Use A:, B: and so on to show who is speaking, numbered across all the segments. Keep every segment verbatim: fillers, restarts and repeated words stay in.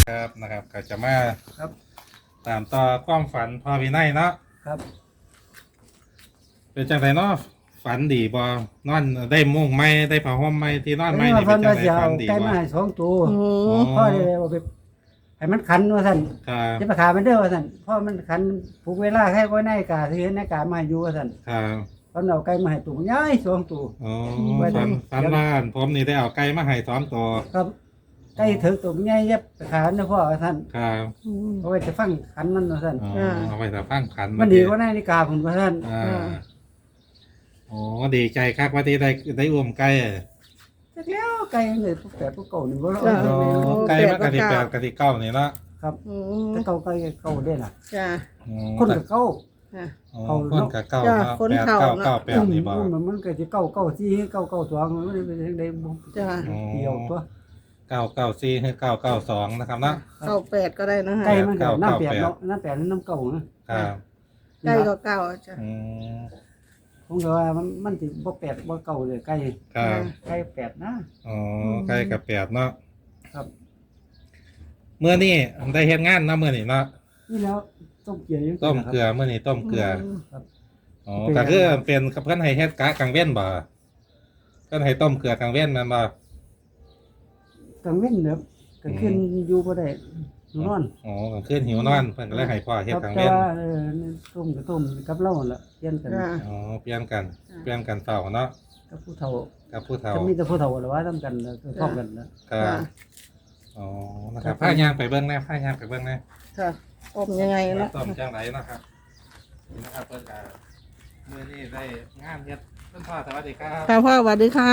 A: ครับนะครับก็จะมา
B: ครับ
A: ตามต่อความฝันพอวินัยเนาะ
B: ครับ
A: เป็นจังไรเนาะฝันดีบ่นอนได้มุ้งไหมได้ผ้าห่มไหมที่นอนไหม
B: แล้ว
A: นี่
B: พั
A: เป็น นจั
B: ว่าง
A: ไร
B: จะ
A: ฝั
B: เอา
A: นดี
B: ไก่
A: บ่
B: มาให้สองตัว
C: อืม
B: พ่อเลยเอาไปให้มันขันว่าสั่น
A: ครับ
B: จะไปขามันเด้อว่าสั่นพ่อมันขันผูกเวลาให้ไว้ในกาที่เห็นในกามาให้อยู่ว่าสั่น
A: ครับ
B: ตอนเอาไก่มาให้ตัวใหญ่สองตัว
A: อ๋อ
B: ไว้
A: ฝัน
B: ได้
A: ฝันว่าผมนี่ได้เอาไก่มาให้สองตัว
B: ครับไก่ถึกตัวใหญ่เย็บไปขาเด้อพ่อว่าสั่น
A: ครับ
C: อืม
B: เอาไว้จะฟังขันมันว่าสั่น
A: อ๋อเอาไปแต่ฟังขัน
B: มันดีกว่าในนาฬิกาผมว่าสั่น
A: อ่า
C: อ่า
A: โอ้ดีใจคักว่าที่ได้ได้อุ้มไก่อะ
B: จักแล้วไก่เลยพวกแปดพวกเก่านี่บ่รู้
C: จ้ะ
A: อ๋อไก่มากะทิแปดกะทิเก้านี่เนาะ
B: ครับ
C: อืม
B: แต่เก่าไก่เก่าได้ล่ะ
C: จ้า
A: อ๋อ
B: คนกับเก่า
C: ค่ะ
A: อ๋อคนกับเก้า
C: จ้ะ
A: เนาะ
C: คน
A: แปด
C: เฒ่า
A: เก้า
C: เนาะ
A: เก้าแปดนี่บ่
B: มันมันก็สิเก่าเก่าสี่เก่าเก่าสองมันไม่ได้เป็นได้บ่
C: จ้า
A: อ๋อ
B: เดียวตัว
A: เก้าเก้าสี่ให้เก้าเก้าสองนะครับเนาะ
C: เก้าแปดก็ได้นะฮะ
B: ไก่มันก็
A: เก้า
B: น้ำแปด
A: เก้าแปด
B: เนาะน้ำแปดนี่น้ำเก่านะครับ
C: ไก่ก็เก้าจ้ะ
A: อืม
B: ผมก็ว่ามันมันสิบ่แปดบ่เก่าเลยไก่
A: ครับ
B: ไก่แปดนะ
A: อ๋อใกล้กับแปดเนาะ
B: ครับ
A: เมื่อนี้ได้เฮ็ดงานเนาะเมื่อนี้เนาะ
B: นี่แล้วต้มเกลือยัง
A: ต้มเกลือเมื่อนี้ต้มเกลือ
B: ครับ
A: อ๋อก็คือเป็นกับเพิ่นให้เฮ็ดกะกลางเว้นบ่เพิ่นให้ต้มเกลือกลางเว้นแม่นบ่
B: กลางเว้นเด้อก็ขึ้นอยู่บ่ได้อยู่นอน
A: อ๋อกลางคืนหิวนอนเพิ่นก็เลยให้พ่อเฮ็ดกลาง
B: แต่
A: เว้น
B: ว่าเออต้มก็ต้มกับเราหั่นล่ะเปลี่ยนกัน
C: จ้า
A: อ๋อเปลี่ยนกันเปลี่ยนกันเฝ้าเนาะ
B: กับผู้เฒ่า
A: กับผู้เฒ่า
B: จะมีแต่ผู้เฒ่าล่ะว่าทำกันแล้วก็พร้อมกันนะครับ
A: อ๋อนะครับพาย่างไปเบิ่งแน่พาย่างไปเบิ่งแน่
C: ค่ะอมยังไง
A: ว่า
C: เนาะ
A: ต้มจังไหนนะครับนี่นะครับเพิ่นก็มื้อนี้ได้งานเฮ็ดเพิ่นพ่อสวัสดีครับ
C: ค่ะพ่อสวัสดีค่ะ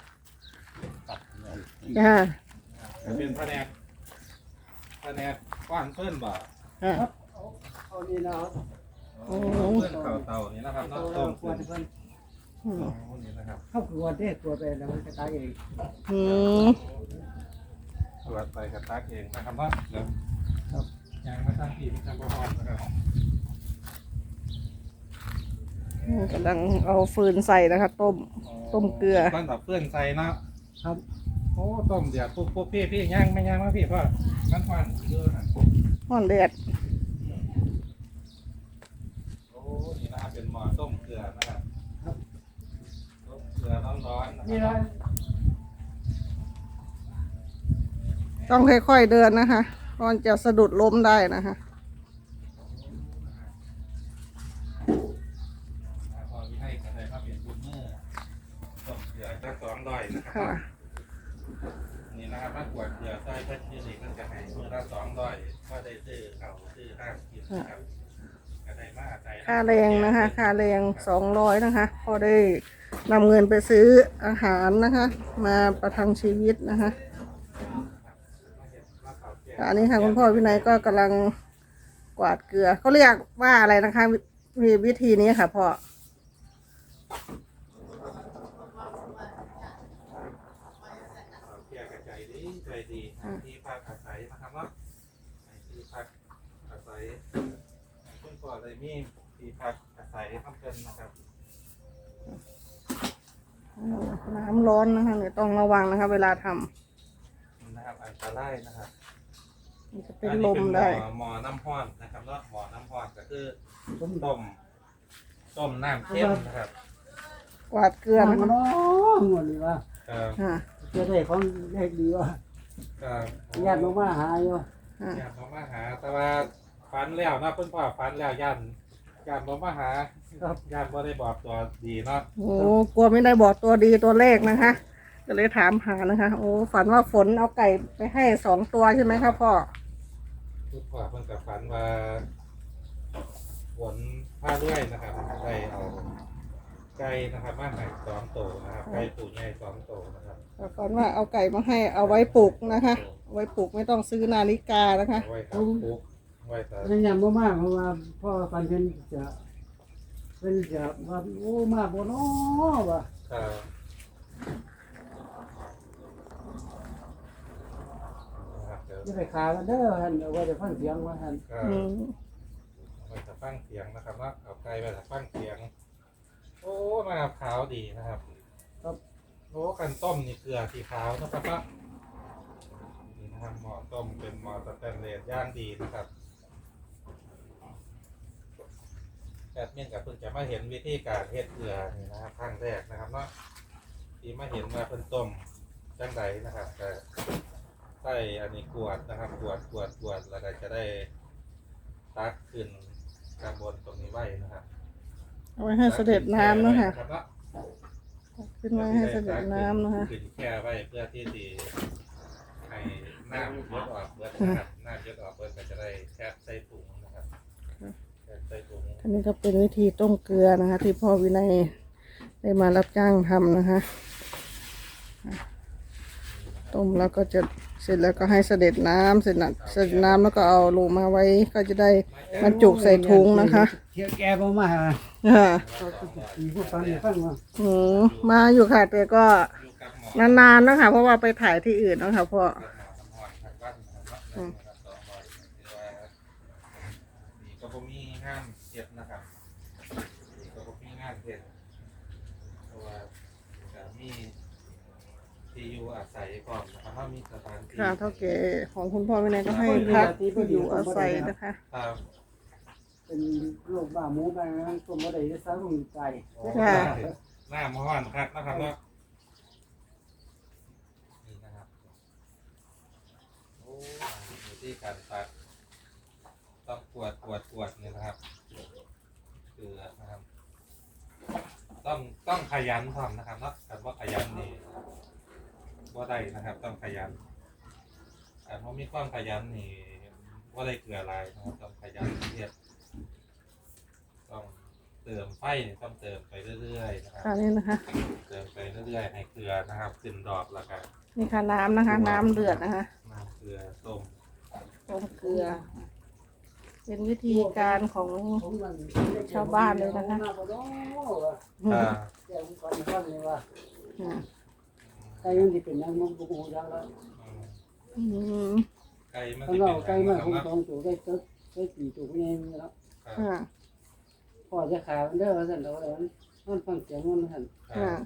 C: จ้า
A: เป็นแผนกแผนกก้อนเพิ่นบ่
C: ค่ะ
B: เอานี่นะ
A: โอ้เพิ่นเข่าเตานี่นะครับเนาะต้ม
B: ขว
A: เพิ่
B: ด
A: น
B: เพิ่น
C: อืม
A: อ๋อนี่นะครับ
B: เข้าขวดเด้ขวดไปแล้วมันจะตายเอง
C: อืม
A: ตรวจไปกับตักเองนะครับเนาะเดี๋ยว
B: ครับ
A: ยางมาตั้งที่มันจะบ่ฮอดนะครับ
C: กำลังเอาฟืนใส่นะคะ ต้ม ต้มเกลือ
A: ต้นดอกเพื่อนใส่เนาะ
B: ครับ
A: โอ้ต้มเดี๋ยวปุ๊บปุ๊บพี่พี่ย่างไม่ย่างมาพี่พ่อมันหวานเยอะนะ
C: ห่อนเดือด
A: โอ้นี่นะครับเป็นหม้อต้มเกลือนะครับต้มเกลือร้อนๆนะ
B: นี่
A: ค
B: ละ
A: รับ
C: ต้องค่อยๆเดินนะคะก่อนจะสะดุดล้มได้นะคะ
A: พอมีให้กระไดมาเป็นบุญเมื่อต้มเกลือจะสองร้อยนะครั
C: ค่ะ
A: บนี่นะครับถ้ากวดเกลือใส่เพื่อนที่นี่มันจะให้มือละสองร้อยก็ได้ซื้อเขาซื้อห้างกินนะครับกระไดมาใส่
C: ค่าแรงนะคะ ค่าแรงสองร้อยนะคะพอได้นำเงินไปซื้ออาหารนะคะ มาประทังชีวิตนะคะอันนี้ค่ะคุณพ่อวินัยก็กำลังกวาดเกลือเขาเรียกว่าอะไรนะคะมีวิธีนี้ค่ะพ่อ
A: เกลือกระใจดีใจดีที่พักอาศัยนะครับเนาะที่พักอาศัยคุณพ่อเลยมีที่พักอาศัยทำเกินนะครับ
C: น้ำร้อนนะคะเนี่ยต้องระวังนะคะ เวลาทำ
A: นะครับอันตรายนะครับ
C: มันจะเป็นลมได้
A: อันนี้เป็นหม้อหม้อน้ำห้อนนะครับเนาะหม้อน้ำห้อนก็คือต้มต้มต้มน้ำเข้มนะครับ
C: กวาดเกลือ
B: มั
C: นะ
B: น
C: คะ
B: น้อหมดเลยว่า
A: ครับ
C: ค่ะ
B: จะได้ของเลขดีว่า
A: ครับ
B: ญาติมาหาอยู่
C: ค่ะ
A: ญาติมาหาแต่ว่าฟันแล้วเนาะเพิ่นพ่อฟันแล้วยันญาติมาหาครับญาติบ่ได้บอกตัวดีเนาะ
C: โอ้กลัวไม่ได้บอกตัวดีตัวเลขนะคะ ก็เลยถามหานะคะ โอ้ฝันว่าฝนเอาไก่ไปให้สองตัวใช่ไหมครับพ่อ
A: คุณพ่อเพิ่นก็ฝันว่าฝนผ้าเลื่อยนะครับได้เอาไก่นะครับมาให้สองตัวนะครับไก่ตัวใหญ่สองตัวนะครับ
C: ฝันว่าเอาไก่มาให้เอาไว้ปลูกนะคะเอาไว้ปลูกไม่ต้องซื้อนาฬิกานะคะ
A: ไว้ครับปุ๊กไว้แต่
B: พยายามบ่มากเพราะว่าพ่อปันเพิ่นจะเพิ่นจะว่าโอ้มาบ่น้อว่ะ
A: ครับนะครับเดี๋ยว
B: จะไปขากันเด้อหั่นเอาไว้จะฟังเสียงว่าหั่น
A: ก็
C: อืม
A: ไปถัฟังเสียงนะครับเนาะเอาไกลไปถัฟังเสียง โอ้มาขาวดีนะครับ
B: ครับ
A: โอ้กันต้มนี่เกลือสีขาวนะครับเนาะนี่นะนะครับหม้อต้มเป็นหม้อสแตนเลสย่างดีนะครับแอดมินกับเพิ่งจะมาเห็นวิธีการเฮ็ดเกลือนี่นะครับครั้งแรกนะครับเนาะที่มาเห็นว่าเพิ่นต้มจังไดนะครับก็ใส่อันนี้กวดนะครับกวดกวดกวดแล้วก็จะได้ตักขึ้นกระบวนตรงนี้ไว้นะครับ
C: เอาไว้ให้เสด็จน้ำนะคะ
A: ตักขึ้นแช่ไว้รับ
C: ขึ้นมาให้เสด็จน้ำนะคะ
A: ขึ้นแช่ไว้เพื่อที่จะให้น้ำเยดออกเบิดนะครับน้ำเยดออกเบิดก็จะได้แช่ใส่ถุงนะครับแช่ใส่ถุง
C: อันนี้ก็เป็นวิธีต้มเกลือนะคะ ที่พ่อวินัยได้มารับจ้างทำนะคะต้มแล้วก็จะเสร็จแล้วก็ให้เสด็จน้ำเสร็จนะเสด็จน้ำแล้วก็เอาลงมาไว้ก็จะได้บรรจุใส่ถุงนะคะ
B: เที่ยวแกบ่มา
C: ค่ะ
B: มีผู้ฟังให้ฟังว่า
C: อืมมาอยู่ค่ะแต่ก็
A: อยู่กับหมอน
C: านๆนะคะเพราะว่าไปถ่ายที่อื่นเนาะค่ะพ่อ
A: กับหมอน้ำหอนทางบ้านนะครับเนาะนะครับสองร้อยคือว่านี่ก็บ่มีงานเฮ็ดนะครับนี่ก็บ่มีงานเฮ็ดเพราะว่าก็มีที่อยู่อาศัยก่อนนะครับว่ามีสถานที่
C: ค่ะเท่าแก่ของคุณพ่อวินัยก็ให้พักที่อยู่อาศัยนะคะ
A: ครับ
B: เป็นโรคบ้าหมูบ้านั้นตัวบ่ได้สร้างลงใจ
C: ค่ะ
A: หน้าหมออนครับนะครับเนาะนี่นะครับโอ้อยู่ที่การตัดต้องกวดกวดกวดเนี่ยนะครับเกลือนะครับ ต้องต้องขยันทำนะครับเนาะแต่ว่าขยันนี่ว่าได้นะครับ ต้องขยันแต่เพราะมีความขยันนี่ว่าได้เกลืออะไรนะครับต้องขยันเทียบต้องเติมไฟนี่ต้องเติมไปเรื่อยๆนะครับ
C: ค่ะนี่นะคะ
A: เติมไปเรื่อยๆให้เกลือนะครับขึ้นดอกแล้วกัน
C: นี่ค่ะน้ำนะคะ น้ำเดือดนะคะ
A: น้ำเกลือต้ม
C: ต้มเกลือ เป็นวิธีการของ ชาวบ้านเลยนะคะ
A: อ่า
B: แกผมก่อนก่อนเลยว่า
C: อืม
B: ไก่มันสิเป็นยังมันบ่ฮู้จักแล้ว
A: อืม
C: อืม
A: ไก่มัน
B: ข้าง
A: จะ
B: นอกไก่
A: เป็น
B: มา
A: นะ
B: คง
A: ครับ
B: สองตัวไก่ตึกไก่สี่ตัวนี่เนาะ
A: ครับ
C: ค่ะ
B: พ่อจะขายมันเด้อว่าซั่นดอกแล้วมันฟังเสียงมันซั่น
A: ครั
C: ค่ะ
A: บ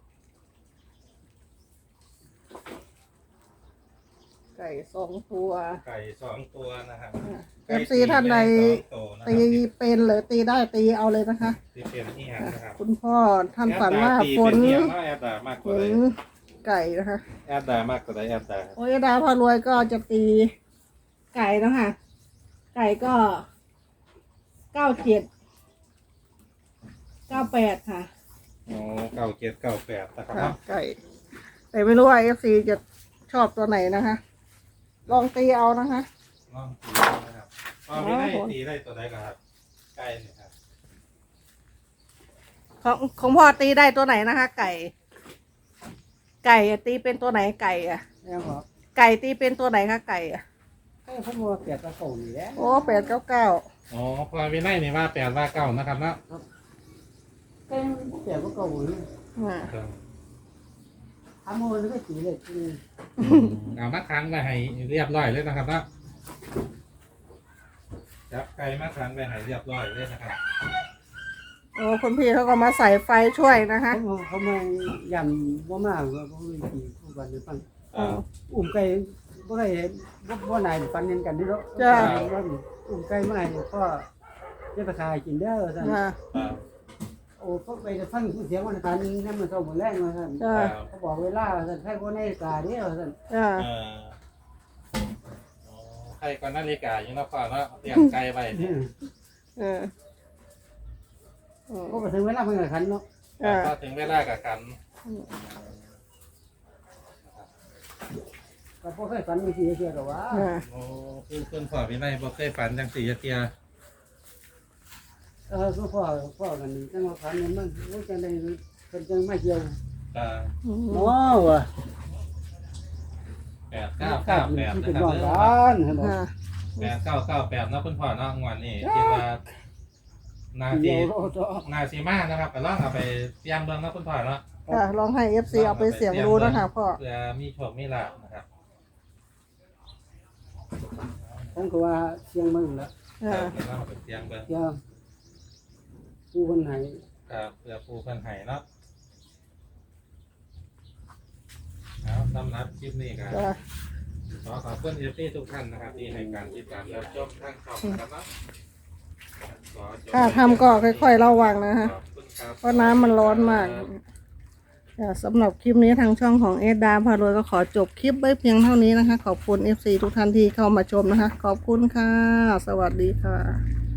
C: ไก่สองตัว
A: ไก่สองตัวนะครับ
C: เอฟซีท่านใด
A: ไก่สองตัวนะค
C: ตี
A: รับ
C: เป็นหรือตีได้ตีเอาเลยนะคะ
A: ที่เป็นที่หันนะครับ
C: คุณพ่อท่านฝันว่า
A: แอดด
C: ฝน
A: ตีเป็เอียงเนาะแอดดามากก
C: ฝ
A: ว่าใด
C: นไก่นะคะ
A: แอดดามากกว่าใดแอดดา
C: โอ้ยดาพารวยก็จะตีไก่แล้วค่ะ ไก่ก็เก้าเจ็ดเก้าแปดค่ะ
A: โอ้เก้าเจ็ดเก้าแปดนะครับ
C: ค่ะ
A: เนาะ
C: ไก่ แต่ไม่รู้ว่าเอฟซีจะชอบตัวไหนนะคะ ลองตีเอานะคะ
A: ลองตีนะครับพอไม่ได้ตีได้ตัวใดก็ครับไก่เนี่ยครับ
C: ของของพ่อตีได้ตัวไหนนะคะ ไก่ ไก่อะตีเป็นตัวไหนไก่อะ
B: แล้วก็
C: ไก่ตีเป็นตัวไหนคะไก่อะ
B: ไก่ผมว่าแปดตะโกนนี่แหละ
C: โอ้แปดเก้าเก้า
A: อ๋อพอไม่ได้นี่ว่าแปดว่าเก้านะครับเนาะ
B: ไก่แปดตะโกนนี่
C: อ่า
A: ครับ
B: ทำมันก็สีเลยคือ
A: เอามาค้างไว้ให้เรียบร้อยเลยนะครับเนาะจับไก่มาค้างไว้ให้เรียบร้อยเลยนะครับ
C: โอ้คุณพี่เขาก็มาใส่ไฟช่วยนะคะ
B: เขาเขามายำว่ามากว่าเขาเลยตีคู่กันในฟัง
C: อ๋อ
B: อุ้มไก่บ่ได้บ่บ่นายฟันเห็นกันนี่เนาะอุ้มไก่มาให้พ่อจะไปขายกินเด้อซั่น
C: ค่ะ
A: ครับ
B: โอ้ก็ไปฟังเสียงวันพันนั่นมันเศร้าหมดแรงว่าซั่น
C: จ้า
B: เขาบอกเวลาซั่นใครบ่ในกาเด้อซั่น
C: จ้า
A: เอ่ออ๋อไก่ก่อนนาฬิกาอยู่เนาะพ่อเนาะเตรียมไก่ไว้เนี่ย
C: เอออืม
B: ก็ไปถึงเวลาเพิ่นก็ขันเนาะ
C: อ่า
A: พอถึงเวลากับกัน
B: ก็บ่เคยฝันมีสิเสียดอกว่า
C: อ่า
A: โอ้คือคุณพ่อพี่ไม่บ่เคยฝันจังสี่เทีย
B: เออก็พ่อพ่อกันจังว่าฝันมันโอ้จังได๋เพิ่นจังมาเกี่ยว
A: อ่า
C: อืม
B: เนาะว่ะ
A: แปดเก้าเก้าแปด
B: ที่
A: นะ
B: เป็น
A: ครับ
B: น้องกันเห็นบ่
C: อ่า
A: แปดเก้าเก้าแปดเนาะคุณพ่อเนาะงวดนี้คิดว่านา
B: เดี
A: ที
B: ยวโลด
A: นาซีมานะครับไปลองเอาไปเตรียมเบิ่งเนาะคุณพ่อเนาะ
C: ค่ะลองให้เอฟซีเอาไปเสียงดูนะคะพ่อ
A: เพื่อมีโชคมีลาภนะครับ
B: ผมก็ว่าเสียงมึงละ
C: อ่า
A: เพื่อเราไปเตรียมเบิ่ง
B: เสียงผู้คนไหน
A: ครับเพื่อผู้เพิ่นให้เนาะเอาสำหรับคลิปนี้ก็
C: จ้า
A: ขอขอบคุณเอฟซีทุกท่านนะครับที่ให้การติดตามรับชมทางช่องนะครับขอจบ
C: ค่ะทำก็ค่อยๆระวังนะฮะ
A: ขอบคุณครับ
C: เพราะน้ำมันร้อนมากอ่าสำหรับคลิปนี้ทางช่องของเอสดาพารวยก็ขอจบคลิปไว้เพียงเท่านี้นะคะ ขอบคุณ เอฟ ซี ทุกท่านที่เข้ามาชมนะคะ ขอบคุณค่ะ สวัสดีค่ะ